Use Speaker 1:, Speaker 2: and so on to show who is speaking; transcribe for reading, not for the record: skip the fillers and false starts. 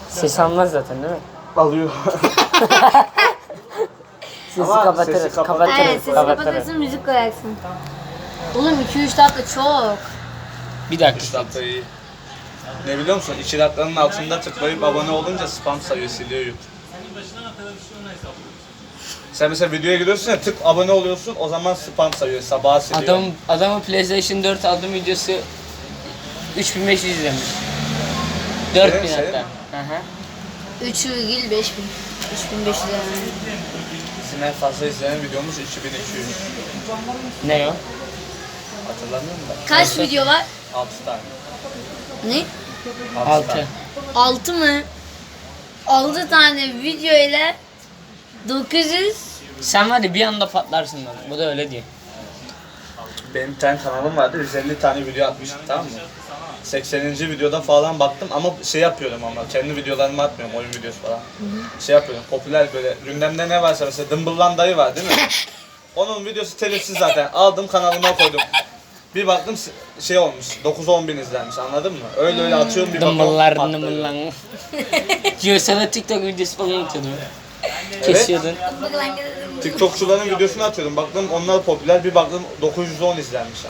Speaker 1: Ses almaz zaten değil mi?
Speaker 2: Alıyor.
Speaker 1: Sesi
Speaker 2: Ama
Speaker 1: kapatırız.
Speaker 2: sesi kapat-
Speaker 1: Kapatırız.
Speaker 3: Evet, sesi
Speaker 1: kapatırız.
Speaker 3: kapatırsın, müzik koyarsın. Oğlum 2-3 dakika çok.
Speaker 1: Bir dakika.
Speaker 2: 3 dakika iyi. Ne biliyor musun? 2 dakikanın altında tıklayıp abone olunca spam sayıyor, siliyor YouTube. Sen mesela videoya giriyorsun ya, tık abone oluyorsun, o zaman spam sayıyor, sabaha siliyor.
Speaker 1: Adamın PlayStation 4 aldım videosu 3500 izlemiş. 4000
Speaker 2: Senin-
Speaker 1: hatta. Hı hı.
Speaker 3: 3,5000. 3500 yani.
Speaker 2: Bizim en fazla izlenen videomuz 2200.
Speaker 1: Ne o?
Speaker 2: Hatırlamıyor musun?
Speaker 3: Kaç video var?
Speaker 2: 6 tane.
Speaker 3: Ne?
Speaker 1: 6.
Speaker 2: tane.
Speaker 3: 6 mı? 6 tane video ile 900.
Speaker 1: Sen var ya bir anda patlarsın lan. Bu da öyle diyor.
Speaker 2: Benim bir tane kanalım vardı, 150 tane video atmıştım, tamam mı? 80. videoda falan baktım ama şey yapıyorum, ama kendi videolarımı atmıyorum, oyun videosu falan. Şey yapıyorum, popüler böyle gündemde ne varsa, mesela Dımbıllan dayı var değil mi? Onun videosu telifsiz zaten, aldım kanalıma koydum. Bir baktım şey olmuş, 9-10 bin izlenmiş, anladın mı? Öyle öyle atıyorum, bir
Speaker 1: Dımbıllar
Speaker 2: bakıyorum
Speaker 1: dımbıllar.
Speaker 2: patlıyor.
Speaker 1: Diyor sana TikTok videosu falan atıyordum. Kesiyordun.
Speaker 2: TikTokçuların videosunu atıyordum, baktım onlar popüler, bir baktım 910 izlenmiş.